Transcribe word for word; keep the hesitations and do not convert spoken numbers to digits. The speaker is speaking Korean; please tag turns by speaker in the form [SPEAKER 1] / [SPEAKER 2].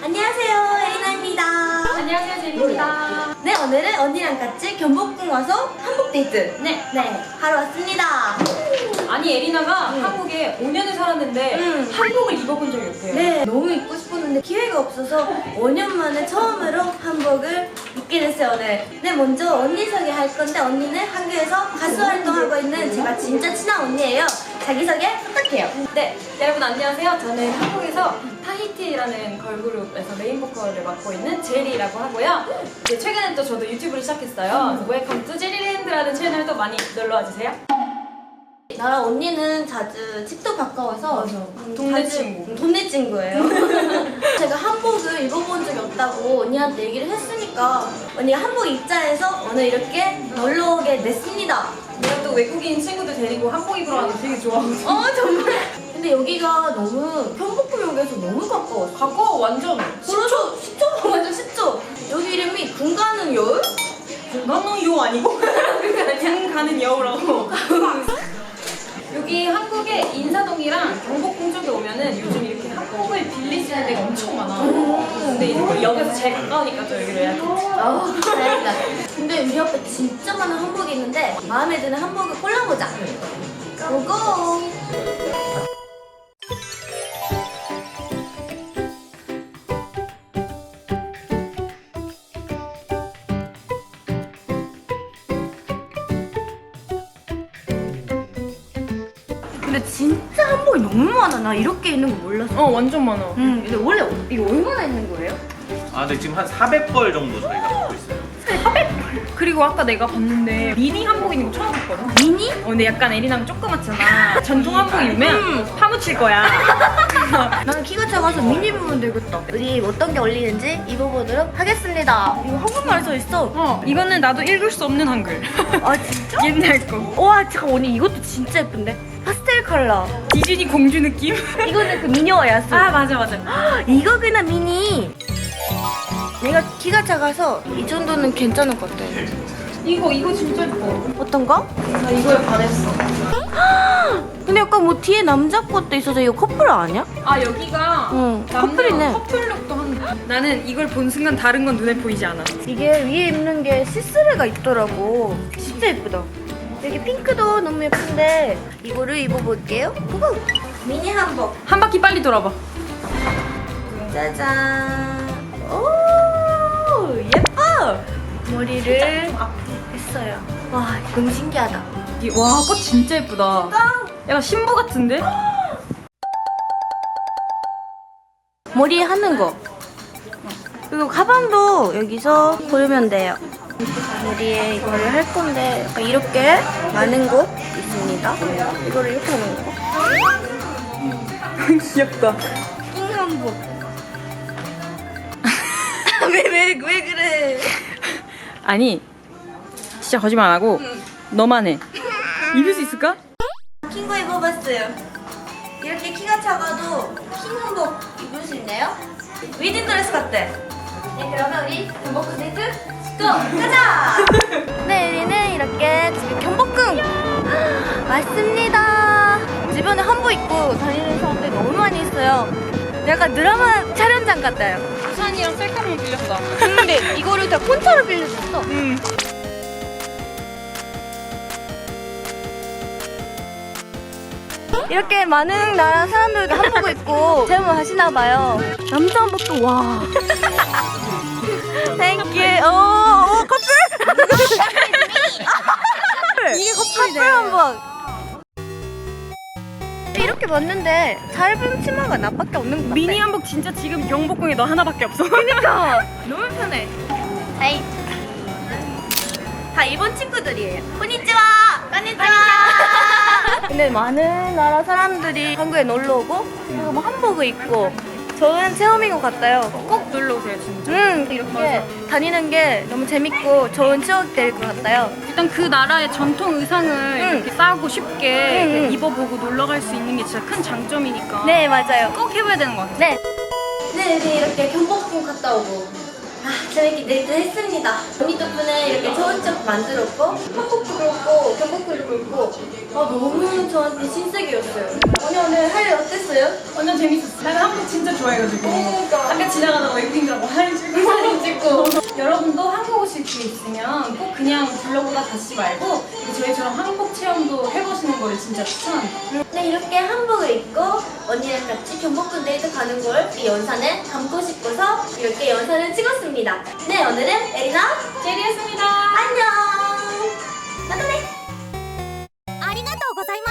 [SPEAKER 1] 안녕하세요, 에리나입니다.
[SPEAKER 2] 안녕하세요, 제리입니다.
[SPEAKER 1] 네, 오늘은 언니랑 같이 경복궁 와서 한복 데이트
[SPEAKER 2] 네.
[SPEAKER 1] 네, 하러 왔습니다.
[SPEAKER 2] 아니, 에리나가
[SPEAKER 1] 음.
[SPEAKER 2] 한국에 오 년을 살았는데
[SPEAKER 1] 음.
[SPEAKER 2] 한복을 입어본 적이 없대요.
[SPEAKER 1] 네, 너무 입고 싶었는데 기회가 없어서 오 년 만에 처음으로 한복을 입게 됐어요, 오늘. 네, 먼저 언니 소개할 건데 언니는 한국에서 가수 활동하고 있는 제가 진짜 친한 언니예요. 자기소개 부탁해요.
[SPEAKER 2] 네, 여러분 안녕하세요. 저는 한국에서 타히티라는 걸그룹에서 메인 보컬을 맡고 있는 제리라고 하고요. 이제 최근에 또 저도 유튜브를 시작했어요. 웰컴 투 제리랜드라는 채널도 많이 놀러와 주세요.
[SPEAKER 1] 나랑 언니는 자주 집도 가까워서 음,
[SPEAKER 2] 동네
[SPEAKER 1] 자주-
[SPEAKER 2] 친구.
[SPEAKER 1] 음, 동네 친구예요. 제가 한복을 입어본 적이 없다고 언니한테 얘기를 했으니까 언니가 한복 입자해서 오늘 이렇게 놀러 오게 됐습니다.
[SPEAKER 2] 내가 또 외국인 친구들 데리고 한복 입으러 가는 거 되게 좋아하거든요.
[SPEAKER 1] 어 정말. 근데 여기가 너무 경복궁역에서 너무 가까웠어.
[SPEAKER 2] 가까워, 완전.
[SPEAKER 1] 그래서 십 초 완전 십 초. 여기 이름이 군가는 여울?
[SPEAKER 2] 나는 요 아니고 그냥 가는 여우라고. 여기 한국에 인사동이랑 경복궁 쪽에 오면은 요즘 이렇게 한복을 빌릴 수 있는 데가 엄청 많아. 근데 이제 우리 역에서 제일 가까우니까 또 여기로 예약했지.
[SPEAKER 1] 아 다행이다. 근데 우리 옆에 진짜 많은 한복이 있는데 마음에 드는 한복을 골라보자. 고고. 근데 진짜 한복이 너무 많아. 나 이렇게 있는 거 몰랐어.
[SPEAKER 2] 어, 완전 많아.
[SPEAKER 1] 음, 근데 원래 이거 얼마나 있는 거예요?
[SPEAKER 3] 아, 근데 지금 한 사백 벌 정도 저희가 갖고 있어요.
[SPEAKER 2] 그리고 아까 내가 봤는데 미니 한복 있는 거 처음 봤거든?
[SPEAKER 1] 미니?
[SPEAKER 2] 어, 근데 약간 에리나랑 조그맣잖아. 전통 한복 입으면 파묻힐 거야.
[SPEAKER 1] 나는 키가 작아서 미니 입으면 되겠다. 우리 어떤 게 어울리는지 입어보도록 하겠습니다. 이거 한국말 써 있어.
[SPEAKER 2] 어, 이거는 나도 읽을 수 없는 한글.
[SPEAKER 1] 아 진짜?
[SPEAKER 2] 옛날 거.
[SPEAKER 1] 와 잠깐 언니 이것도 진짜 예쁜데? 파스텔 컬러.
[SPEAKER 2] 디즈니 공주 느낌?
[SPEAKER 1] 이거는 그 미녀와 야수.
[SPEAKER 2] 아, 맞아, 맞아.
[SPEAKER 1] 이거구나 미니. 내가 키가 작아서 이 정도는 괜찮을 것 같아.
[SPEAKER 2] 이거, 이거 진짜 예뻐.
[SPEAKER 1] 어떤 거?
[SPEAKER 2] 나 이거에 반했어.
[SPEAKER 1] 근데 약간 뭐 뒤에 남자 것도 있어서 이거 커플 아니야?
[SPEAKER 2] 아, 여기가
[SPEAKER 1] 응,
[SPEAKER 2] 남녀
[SPEAKER 1] 커플이네.
[SPEAKER 2] 커플룩도 한다. 나는 이걸 본 순간 다른 건 눈에 보이지 않아.
[SPEAKER 1] 이게 위에 입는 게 시스루가 있더라고. 진짜 예쁘다. 여기 핑크도 너무 예쁜데 이거를 입어볼게요. 고고! 미니 한복.
[SPEAKER 2] 한 바퀴 빨리 돌아봐.
[SPEAKER 1] 짜잔. 오 예뻐. 머리를 했어요. 와 너무 신기하다.
[SPEAKER 2] 이- 와, 꽃 진짜 예쁘다. 약간 신부 같은데?
[SPEAKER 1] 머리에 하는 거. 그리고 가방도 여기서 고르면 돼요. 머리에 이거를 할 건데 약간 이렇게 많은 곳 있습니다. 이거를 이렇게 하는 거.
[SPEAKER 2] 귀엽다.
[SPEAKER 1] 킹 한복. 왜 왜 왜 그래?
[SPEAKER 2] 아니, 진짜 거짓말 안 하고 너만 해. 입을 수 있을까?
[SPEAKER 1] 킹거 입어봤어요. 이렇게 키가 작아도 킹 한복 입을 수 있나요? 웨딩 드레스 같대. 네, 그러면 우리 경복궁 데이트 고! 가자! 네, 우리는 이렇게 지금 경복궁 왔습니다. 주변에 한복 입고 다니는 사람들이 너무 많이 있어요. 약간 드라마 촬영장 같아요.
[SPEAKER 2] 우산이랑 셀카봉 빌렸다.
[SPEAKER 1] 근데 이거를 다 폰처럼 빌려줬어.
[SPEAKER 2] 응.
[SPEAKER 1] 이렇게 많은 나라 사람들도 한복을 입고 체험을 하시나 봐요. 남자 한복도 와. 땡큐. 오, 오 커플.
[SPEAKER 2] 이게 커플이네.
[SPEAKER 1] 커플 한복. 이렇게 봤는데 짧은 치마가 나밖에 없는 것 같아.
[SPEAKER 2] 미니 한복 진짜 지금 경복궁에 너 하나밖에 없어.
[SPEAKER 1] 그러니까 너무 편해. 아이. 다 일본 친구들이에요. konnichiwa. konnichiwa. 근데 많은 나라 사람들이 한국에 놀러 오고 그리고 뭐 한복을 입고 좋은 체험인 것 같아요.
[SPEAKER 2] 꼭 놀러 오세요, 진짜.
[SPEAKER 1] 음 이렇게 다니는 게 너무 재밌고 좋은 추억이 될 것 같아요.
[SPEAKER 2] 일단 그 나라의 전통 의상을 이렇게 싸고 쉽게
[SPEAKER 1] 응, 응.
[SPEAKER 2] 입어보고 놀러 갈 수 있는 게 진짜 큰 장점이니까.
[SPEAKER 1] 네 맞아요.
[SPEAKER 2] 꼭 해봐야 되는 것 같아.
[SPEAKER 1] 네. 네, 네 이렇게 경복궁 갔다 오고 아, 재밌게 데이트 했습니다. 언니 덕분에 이렇게 좋은 쪽 만들었고, 한국도 그렇고, 경복도 그렇고, 아, 너무 저한테 신세계였어요. 언니 오늘 할 일 어땠어요?
[SPEAKER 2] 완전 재밌었어. 내가 한국 진짜 좋아해가지고
[SPEAKER 1] 그러니까.
[SPEAKER 2] 아까 지나가다가 웨이팅하고 사진 찍고 사진 찍고 여러분도 한국 오실 기회 있으면 꼭 그냥 블로그가 다시 말고 저희처럼 한국 체험도 해보시는 거를 진짜 추천합니다.
[SPEAKER 1] 네, 이렇게 한복을 입고 언니랑 같이 경복궁 데이트 가는 걸 이 영상에 담고 싶어서 이렇게 영상을 찍었습니다. 네, 오늘은 에리나
[SPEAKER 2] 제리였습니다.
[SPEAKER 1] 안녕! 나타네!
[SPEAKER 4] ありがとうございます。